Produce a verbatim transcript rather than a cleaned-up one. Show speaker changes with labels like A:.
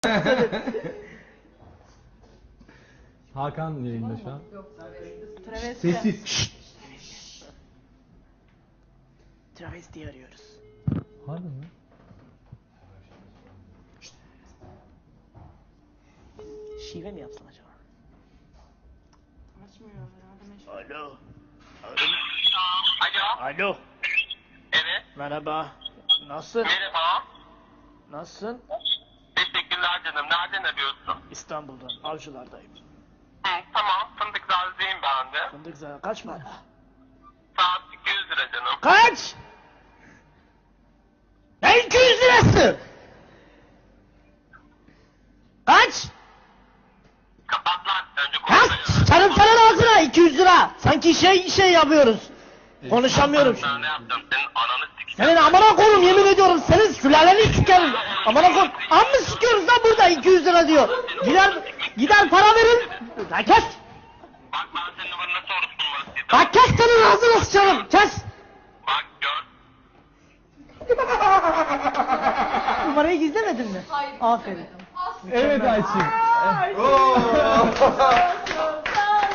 A: Hakan yayında şu an.
B: Travesti.
A: Sessiz.
C: Travesti arıyoruz.
A: Harbi mi?
C: Şive mi yapsam acaba?
B: Açmıyor ya.
C: Alo.
D: Alo.
C: Alo.
D: Evet.
C: Merhaba. Nasılsın?
D: Merhaba.
C: Nasılsın?
D: Teşekkürler canım. Nereden arıyorsun?
C: İstanbul'dan. Avcılardayım.
D: Hı, tamam. Fındık Gazi'yim ben de.
C: Fındık zaten kaç para?
D: Saat iki yüz lira canım.
C: Kaç? Ne iki yüz lirası? Kaç?
D: Kapat lan. Önce
C: Kaç?
D: konuşmayı.
C: Sarım sana ağzına iki yüz lira. Sanki şey şey yapıyoruz. Konuşamıyorum.
D: Ben ne yaptım? Senin ananı sikeceğim.
C: Senin amına koyayım yemin ediyorum senin sülaleni sikerim. Amına koyayım. Amma sikiyoruz lan burada iki yüz lira diyor. Gider gider para verin. Lan kes.
D: Bak ben senin numaranı nasıl orospu numarası yedim.
C: Bak kes senin ağzını sıçarım. Kes.
D: Bak gör.
C: Numarayı gizlemedin mi?
B: Hayır.
C: Aferin.
A: Evet Ayçin.